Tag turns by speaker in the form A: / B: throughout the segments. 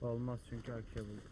A: Olmaz çünkü AK buldum.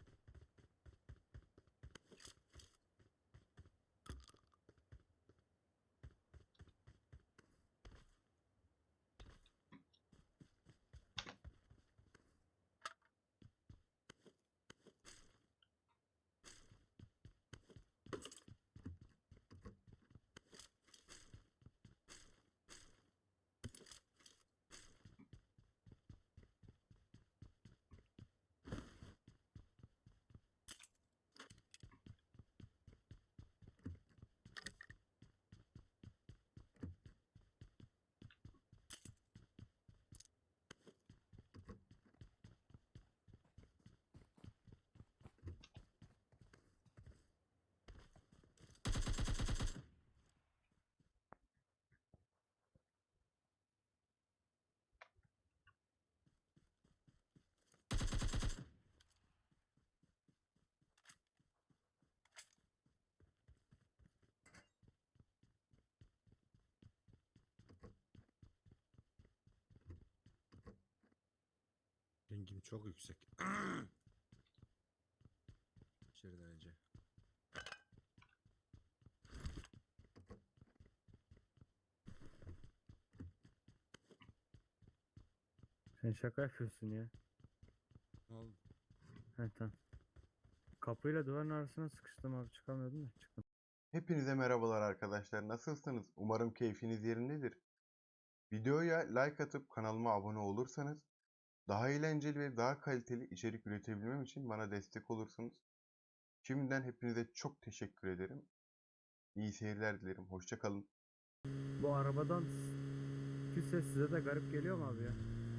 B: Rengim çok yüksek. Aşırı derece.
A: Sen şaka yapıyorsun ya.
B: Ne oldu?
A: He tamam. Kapıyla duvarın arasına sıkıştım abi, çıkamıyordum da çıktım.
C: Hepinize merhabalar arkadaşlar. Nasılsınız? Umarım keyfiniz yerindedir. Videoya like atıp kanalıma abone olursanız daha eğlenceli ve daha kaliteli içerik üretebilmem için bana destek olursunuz. Şimdiden hepinize çok teşekkür ederim. İyi seyirler dilerim. Hoşça kalın.
A: Bu arabadan ki ses size de garip geliyor mu abi ya?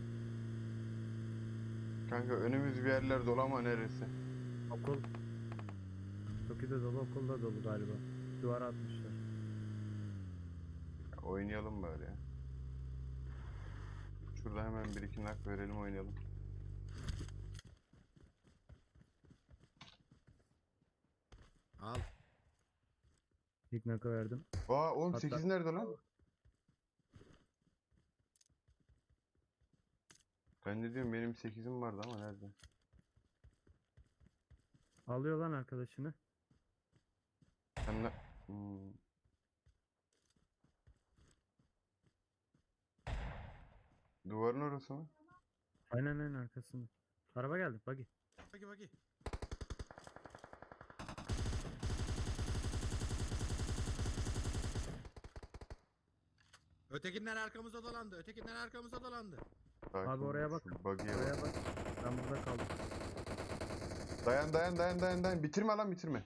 C: Kanka önümüz bir yerler dolu ama neresi?
A: Okul. Tokyo'da dolu, okulda dolu galiba. Duvara atmışlar.
C: Ya oynayalım böyle ya. Şurada hemen bir iki nak verelim, oynayalım.
B: Al.
A: İlk naka verdim.
C: Aa oğlum
A: Hatta
C: 8 nerede lan? Ben de diyorum benim 8'im vardı ama nerede?
A: alıyor lan arkadaşını.
C: Sen ne? Hmm. Duvarın orası mı?
A: Aynen arkasında. Araba geldi, buggy.
B: Bagi. Ötekinden arkamıza dolandı. Ötekinden arkamıza dolandı.
C: Sakin
A: Abi
C: ol,
A: oraya bak.
C: şu buggy'e bak.
A: Oraya bak. Ben burada kaldım.
C: Dayan. Bitirme lan, bitirme.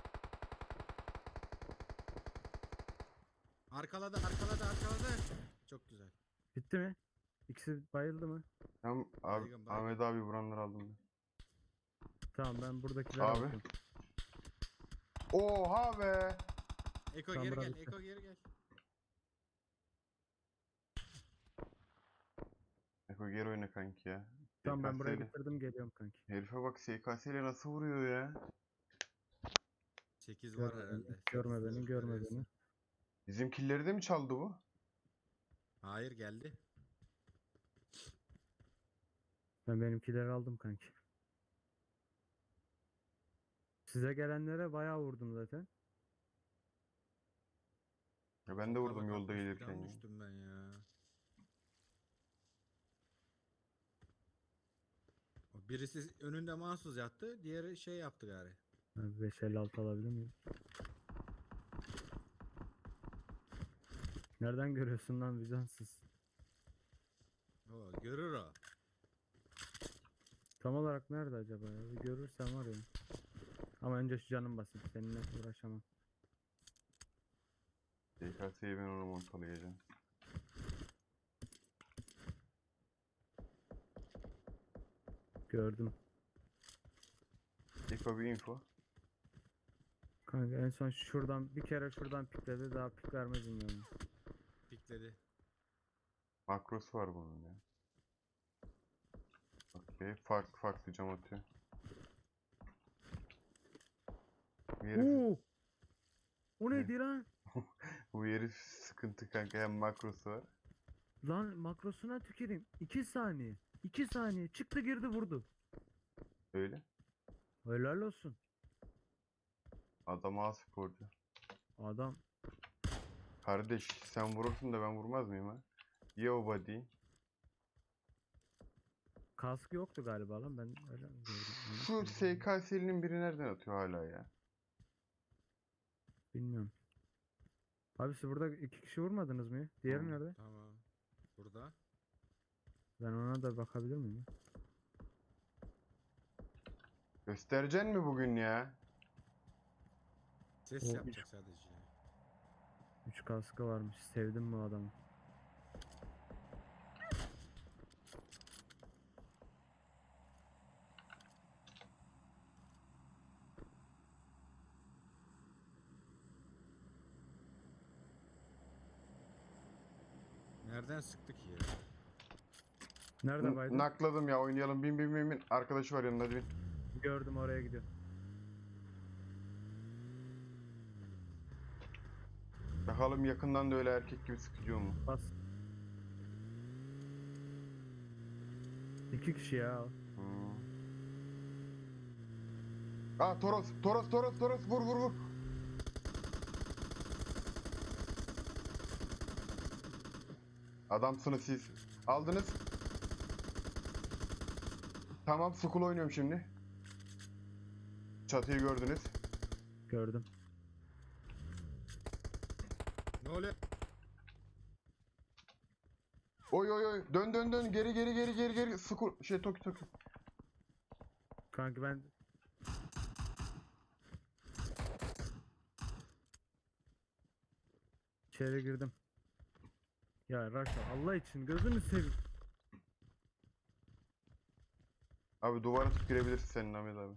B: Arkaladı. Çok güzel.
A: Bitti mi? İkisi bayıldı mı?
C: Tamam abi,
B: Baygın.
C: Ahmet abi vuranları aldım ben.
A: Tamam, ben buradakilere
C: Abi.
A: bakıyorum.
C: Oha be.
B: Eko
A: Tamam,
B: geri
A: bura
B: gel.
A: bitti.
B: Eko geri gel.
C: Eko geri oyna kanki ya.
A: Tamam, ben burayı
C: SKS 'le.
A: bitirdim, geliyorum kanki.
C: Herife bak, SKS ile nasıl vuruyor ya.
B: 8 var
A: Görme beni,
B: herhalde.
A: görme
B: 8
A: beni, görme beni.
C: Bizim killeri de mi çaldı bu?
B: Hayır geldi.
A: Ben benimkileri aldım kanki. Size gelenlere bayağı vurdum zaten.
C: Ya ben de
B: Sokağa
C: vurdum
B: bak,
C: yolda
B: 60
C: gelirken
B: falan
C: ya.
B: düştüm ben ya. O birisi önünde mahsus yattı. Diğeri şey yaptı gari.
A: 556 alabilir miyim? Nereden görüyorsun lan vicdansız?
B: O görür o.
A: Tam olarak nerede acaba ya? Bir görürsem var ya. Ama önce şu canım basayım. Seninle uğraşamam.
C: SKS'yi ben ona montalayacağım.
A: Gördüm.
C: Eko bir info.
A: Kanka en son şuradan bir kere şuradan pikledi. Daha pik vermez yani.
B: Pikledi.
C: Makrosu var bunun ya. Okey. Farklı cam atıyor. Bu herif,
A: Oo! O neydi lan?
C: bu herif sıkıntı kanka, hem makrosu var.
A: Lan makrosuna tüküreyim. 2 saniye. 2 saniye. Çıktı girdi vurdu.
C: Öyle.
A: Helal olsun.
C: Adam A sporcu.
A: Adam
C: Kardeş sen vurursun da ben vurmaz mıyım ha? Ye o body.
A: kaskı yoktu galiba lan, ben öyle gördüm. Yanlış
C: Şu
A: mı gördüm?
C: SKS'linin biri nereden atıyor hala ya?
A: Bilmiyorum. Abi siz burada iki kişi vurmadınız mı ya? Diğeri
C: Hmm.
A: nerede?
B: Tamam. Burada.
A: Ben ona da bakabilir miyim ya?
C: Göstereceksin mi bugün ya?
B: Ses
A: O
B: yapacak sadece.
A: 3 kaskı varmış. Sevdim bu adamı.
B: Nereden sıktı ki ya?
A: Nerede baydın?
C: Nakladım ya, oynayalım. Bin bin bin bin. Arkadaşı var yanında, hadi bin.
A: Gördüm, oraya gidiyor.
C: Bakalım yakından da öyle erkek gibi sıkıyor mu?
A: Bas. 2 kişi ya.
C: Hmm. Aa, Toros, Toros, Toros, Toros, vur vur vur. Adamsınız siz. Aldınız. Tamam, school oynuyorum şimdi. Çatıyı gördünüz.
A: Gördüm.
B: Ne oluyor?
C: Oy oy oy. Dön dön dön. Geri geri geri geri geri. School. Toki Toki.
A: Kanki ben içeri girdim. Ya Raşa, Allah için gözünü seveyim.
C: Abi duvara tutup girebilirsin senin Ahmet abi.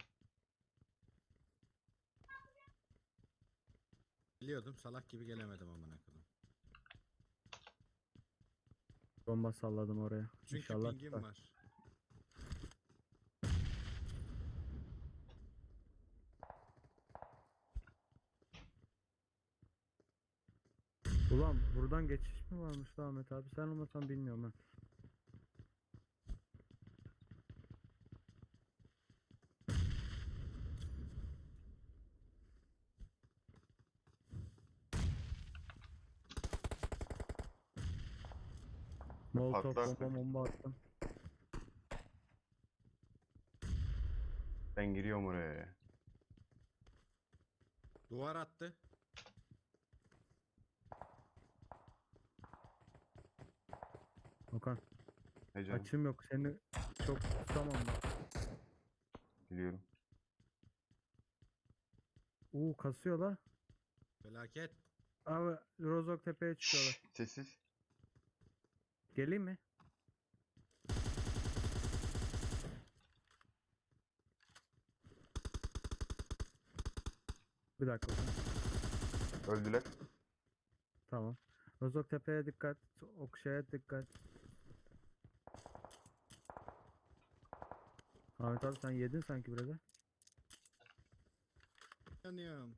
B: Biliyordum, salak gibi gelemedim amına koyayım.
A: Bomba salladım oraya.
B: Çünkü
A: İnşallah
B: pingim
A: tutar.
B: var.
A: Ulan buradan geçiş mi varmış lan Ahmet abi? Sen olmasan bilmiyorum ha. Molotov
C: Patlarsın.
A: bomba attım.
C: Ben giriyorum oraya ya.
B: Duvar attı.
A: Okan
C: Ne canım?
A: açım yok, seni çok tutamam ben.
C: Biliyorum.
A: Kasıyor la.
B: Felaket.
A: Abi Rozok tepeye çıkıyorlar.
C: Şşş, sessiz.
A: Geleyim mi? Bir dakika Okan.
C: Öldüler.
A: Tamam. Rozok tepeye dikkat. Okşaya dikkat. Ahmet abi sen yedin sanki biraz ha.
B: Yanıyorum.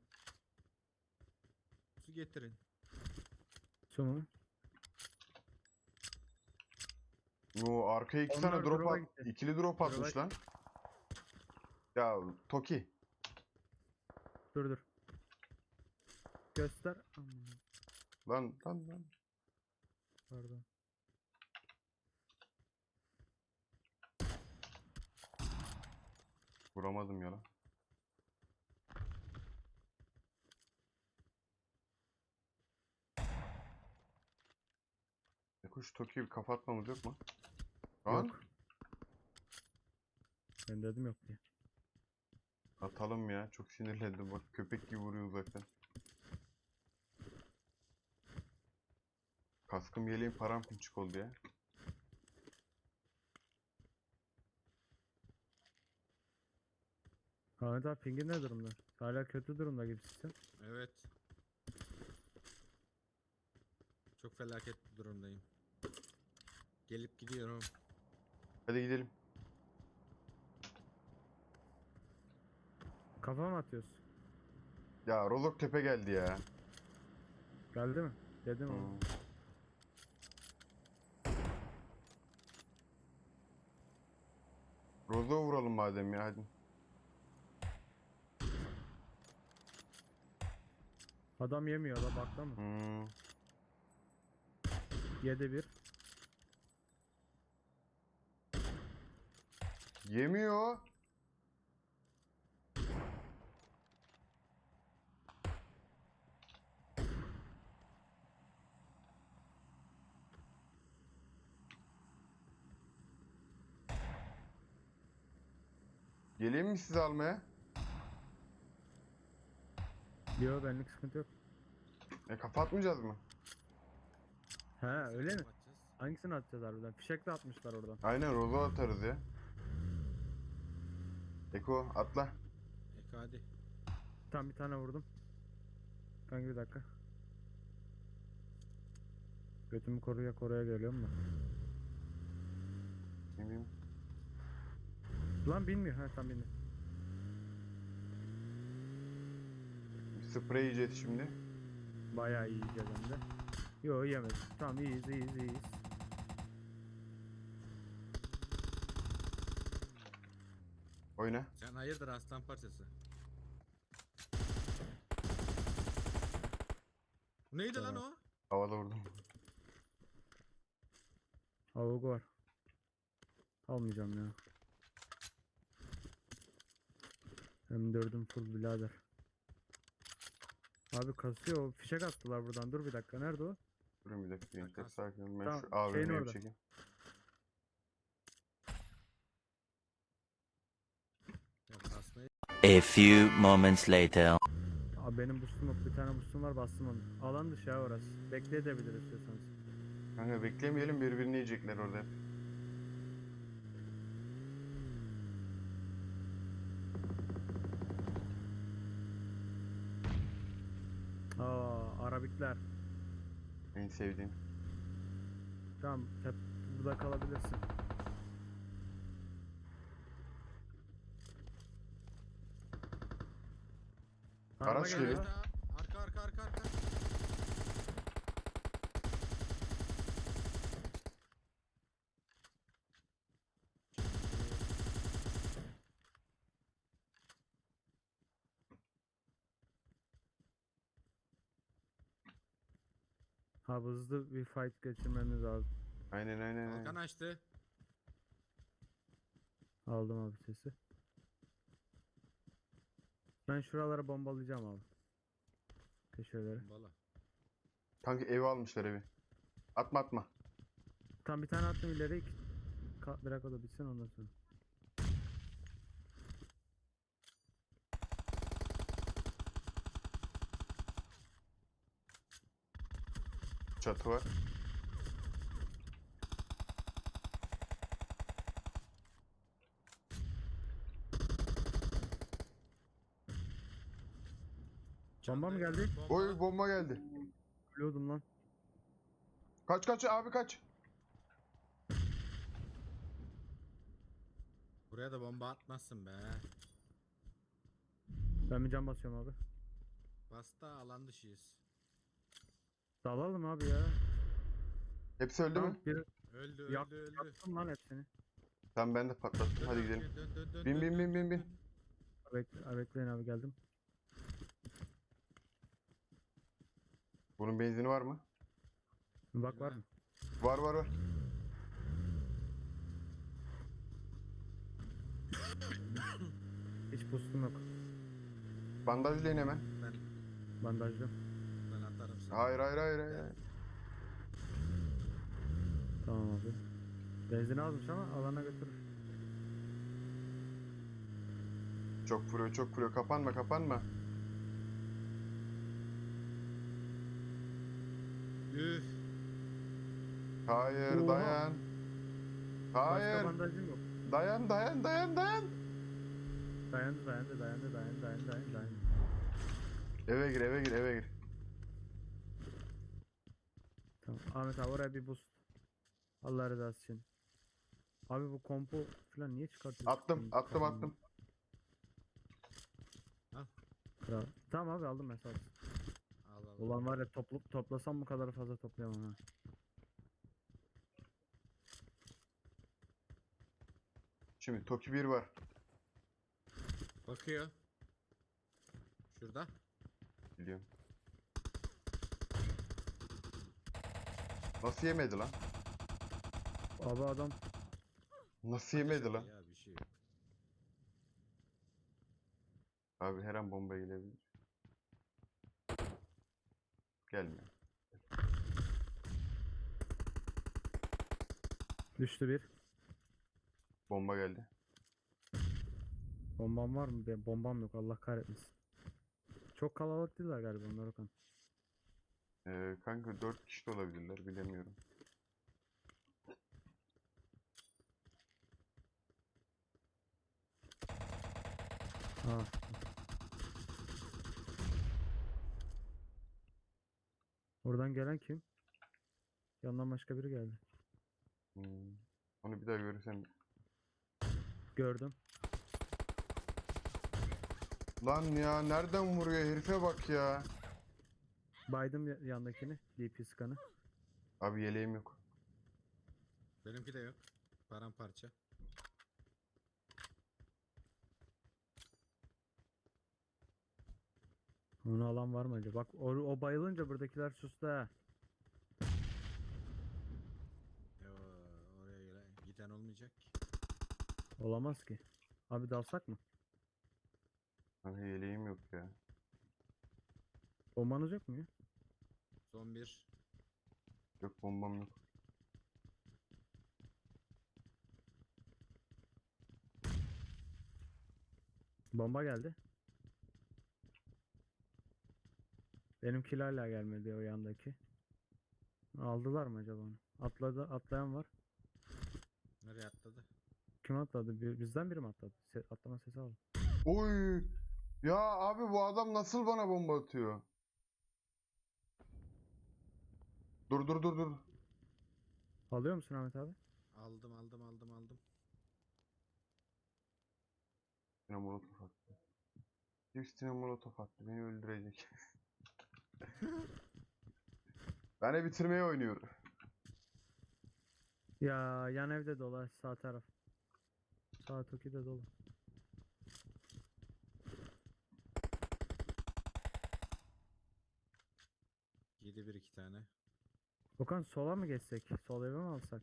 B: Su getirin.
A: Su mu?
C: O arkaya iki
A: Onlar
C: tane drop
A: drop'a
C: at.
A: gitti.
C: İkili drop
A: Drop'a
C: atmış lan. Ya Toki.
A: Dur. Göster. Aman,
C: Lan.
A: pardon.
C: Vuramadım ya lan. Kuş Toki'yi bir kafa atmamız yok mu? Lan
A: Yok. Ben dedim yok diye.
C: atalım ya. Çok sinirlendim bak. Köpek gibi vuruyor uzaktan. Kaskım yeleğim paramparçık oldu ya.
A: Ahmet abi pingin ne durumda? Hala kötü durumda gibisin.
B: Evet. Çok felaket bir durumdayım. Gelip gidiyorum.
C: Hadi gidelim.
A: Kafa mı atıyorsun?
C: Ya Rozok Tepe geldi ya.
A: Geldi mi? Dedim ama.
C: Hmm. Rozok'a vuralım madem ya hadi.
A: Adam yemiyor la, bakla mı?
C: Hmm.
A: 7-1.
C: Yemiyor. Geleyim mi sizi almaya?
A: Yo, benlik sıkıntı yok.
C: Kapatmayacağız mı?
A: He öyle mi?
B: Kapatacağız.
A: Hangisini atacağız harbiden? Fişek de atmışlar oradan.
C: Aynen Rozo atarız ya. Eko atla.
B: Eko hadi.
A: Tam bir tane vurdum. Kanka bir dakika. Götümü koruya koruya geliyorum da.
C: Bilmiyorum.
A: Lan bilmiyor. Ha tam bilmiyor.
C: Sprey yiyeceğiz şimdi.
A: Bayağı iyi yiyeceğiz hem de. Yo yemedim. Tamam iyiyiz.
C: Oyna.
B: Sen hayırdır aslan parçası? Bu neydi lan
A: Tamam.
B: o?
C: Havada vurdum.
A: Avuk var. Almayacağım ya. Hem dördüm full birader. Abi kasıyor. O fişek attılar buradan. Dur bir dakika. Nerede o?
C: Durun bir dakika gençler,
B: Takas.
C: sakin olun. Ben
A: Tamam,
C: şu
A: şeyin
C: AVM'yi
A: orada.
C: çekeyim.
B: Ya basmayı.
D: A few moments later.
A: Abi benim boostum yok. Bir tane boostum var, bastım onu. Alan dışı ya orası. Bekleyebiliriz istiyorsanız.
C: Kanka beklemeyelim, birbirini yiyecekler orada.
A: Arabikler.
C: En sevdiğim.
A: Tamam, hep burada kalabilirsin. Araba
C: Araç
A: geliyor.
C: geliyor.
B: Arka.
A: Ha, hızlı bir fight geçirmemiz lazım.
C: Aynen.
B: Kalkan açtı.
A: Aldım abi sesi. Ben şuralara bombalayacağım abi. Köşeleri.
B: Bala.
C: Kanka evi almışlar evi. Atma.
A: Tam bir tane attım ileri. Bırak o da bitsin ondan sonra.
C: Çatı var.
A: Bomba mı
B: Çantaya-
A: geldi?
C: Oy bomba geldi.
A: Ölüyordum lan.
C: Kaç abi kaç.
B: Buraya da bomba atmazsın be.
A: Ben bir cam basıyorum abi.
B: Basta alan dışıyız.
A: Dalalım abi ya.
C: Hepsi öldü
A: Tamam,
C: mü?
A: bir
B: Öldü.
A: yaktım lan hepsini.
C: Tamam ben de patlattım.
B: Dön
C: Hadi
B: abi,
C: gidelim.
B: dön,
C: Bin.
A: Bekleyin abi, geldim.
C: Bunun benzini var mı?
A: Bir bak var mı?
C: Var.
A: Hiç boostum yok.
C: Bandajlayın hemen.
B: Ben,
A: Bandajlı.
B: ben atarım sana.
C: Hayır.
A: Tamam abi. Benzin azmış ama alana götürür.
C: Çok vuruyor. Kapanma.
B: Üf.
C: Hayır
A: Oha.
C: dayan.
A: Başka
C: Hayır.
A: bandajım yok.
C: Dayan.
A: Dayandı.
C: Eve gir.
A: Tamam. Ahmet abi oraya bir boost. Allah rızası için. Abi bu kompo falan niye çıkartıyorsun?
C: Attım.
A: Kral. Tamam abi, aldım ben sağ olasın.
B: Al.
A: Ulan var ya, toplasam bu kadar fazla toplayamam ha.
C: Şimdi Toki 1 var.
B: Bakıyor. Şurada.
C: Biliyorum. Nasıl yemedi lan?
A: Abi adam
C: Nasıl yemedi lan?
B: Ya bir şey yok.
C: Abi her an bomba gelebilir. Gelmiyor.
A: düştü bir.
C: Bomba geldi.
A: Bombam var mı? Ben bombam yok. Allah kahretmesin. Çok kalabalık değiller galiba onlar Okan.
C: Kanka 4 kişi de olabilirler bilemiyorum.
A: Ha. Oradan gelen kim? Yandan başka biri geldi.
C: Hmm. Onu bir daha görürsem.
A: Gördüm.
C: Lan ya nereden vuruyor herife bak ya.
A: Baydım yandakini. DP skanı.
C: Abi yeleğim yok.
B: Benimki de yok. Paramparça.
A: Onu alan var mı acaba? Bak o bayılınca buradakiler sustu ha.
B: Yo, oraya giden olmayacak ki.
A: Olamaz ki. Abi dalsak mı?
C: Abi yeleğim yok ya.
A: Bombanız yok mu ya?
B: Son bir.
C: Yok bombam yok.
A: Bomba geldi. Benimkiler hala gelmedi o yandaki. Aldılar mı acaba onu? Atlayan var.
B: Nereye atladı?
A: Kim atladı? Bizden biri mi atladı? Atlama sesi aldım.
C: Oy! Ya abi bu adam nasıl bana bomba atıyor? Dur dur dur dur.
A: Alıyor musun Ahmet abi?
B: Aldım.
C: Üstüne molotof attı. Üstüne molotof attı. Beni öldürecek. Beni bitirmeye oynuyor.
A: Ya yan evde dolu sağ taraf. Sağ toki de dolu.
B: Yedi bir iki tane.
A: Okan sola mı geçsek? Sol eve mi alsak?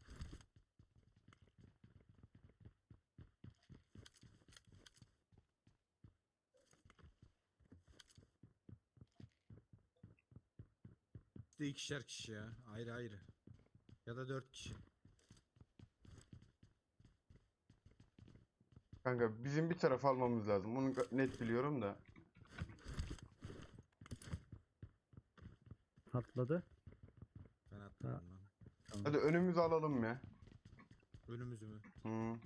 B: Bir de ikişer kişi ya. Ayrı ayrı. Ya da 4 kişi.
C: Kanka bizim bir taraf almamız lazım. Onu net biliyorum da.
A: Atladı.
B: Ben atladım lan.
A: Tamam.
C: Hadi önümüzü alalım ya.
B: Önümüzü mü?
C: Hı.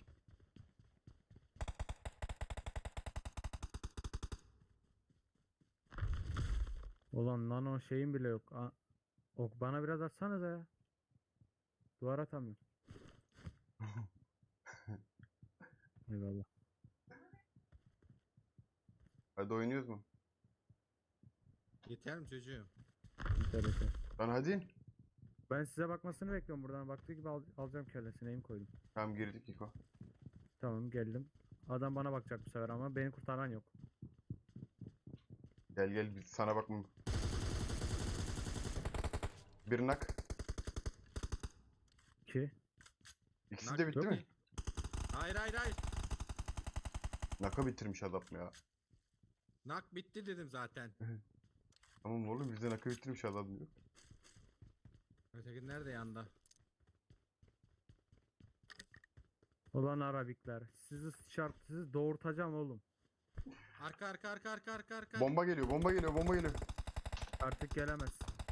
A: Ulan nano şeyim bile yok. Ok bana biraz atsanıza ya. Duvar atamıyorum. Eyvallah.
C: Hadi oynuyoruz mu?
B: Yeter mi çocuğum?
A: Yeter yeter.
C: Lan hadi.
A: Ben size bakmasını bekliyorum buradan. Baktığı gibi alacağım kellesini. Aim koydum.
C: Tamam girdik İko.
A: Tamam geldim. Adam bana bakacak bu sefer ama beni kurtaran yok.
C: Gel gel biz sana bakmam. Bir nak.
A: 2.
C: İkisi
B: Nak
C: de bitti
A: yok
C: mi?
A: mu?
B: Hayır.
C: Naka bitirmiş adam ya.
B: Nak bitti dedim zaten.
C: Tamam oğlum bizde naka bitirmiş adam diyor.
B: Öteki nerede yanda?
A: Ulan Arabikler. Sizi doğurtacağım oğlum.
B: Arka.
C: Bomba geliyor, bomba geliyor, bomba geliyor.
A: Artık gelemez.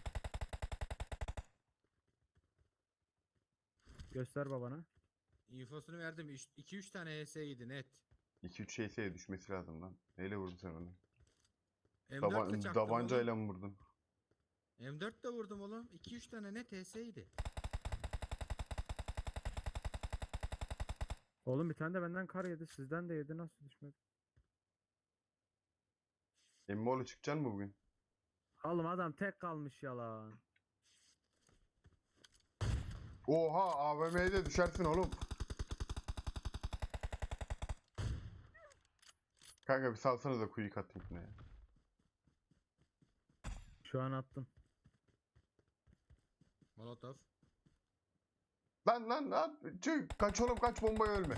A: Göster babana.
B: İnfosunu verdim. 2-3 tane HS'ydi net.
C: 2-3 şeyse düşmesi lazım lan. Neyle vurdun sen onu?
B: M4 ile çaktım
C: Davancayla
B: oğlum.
C: mı vurdun?
B: M4 de vurdum oğlum. 2-3 tane net HS'ydi.
A: Oğlum bir tane de benden kar yedi. Sizden de yedi. Nasıl düşmedi?
C: Emmoğlu çıkacaksın mı bugün?
A: Oğlum adam tek kalmış yalan.
C: Oha AVM'ye de düşersin oğlum. Kanka bir salsana da kuyu atayım şuna ya.
A: Şu an attım.
B: Molotov.
C: Lan. Çık. Kaç oğlum kaç, bombaya ölme.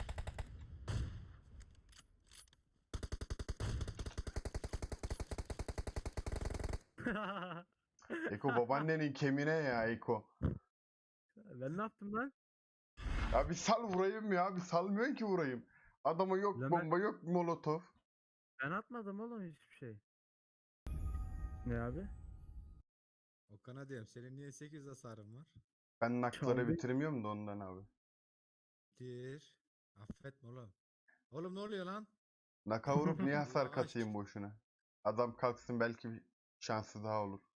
C: Eko babaannenin kemine ya Eko.
A: Ben ne yaptım lan?
C: Ya bir sal vurayım ya. Bir salmıyorsun ki vurayım. Adama yok
A: Lan
C: bomba yok molotof.
A: ben atmadım oğlum hiçbir şey. Ne abi?
B: Okan'a diyorum senin niye 8 hasarın var?
C: Ben nakları
A: Çaldı.
C: bitiremiyorum da ondan abi.
B: Dir. Affetme oğlum. Oğlum ne oluyor lan?
C: Naka vurup niye hasar
B: Allah
C: katayım
B: aşkına.
C: boşuna? Adam kalksın belki bir şansı daha olur.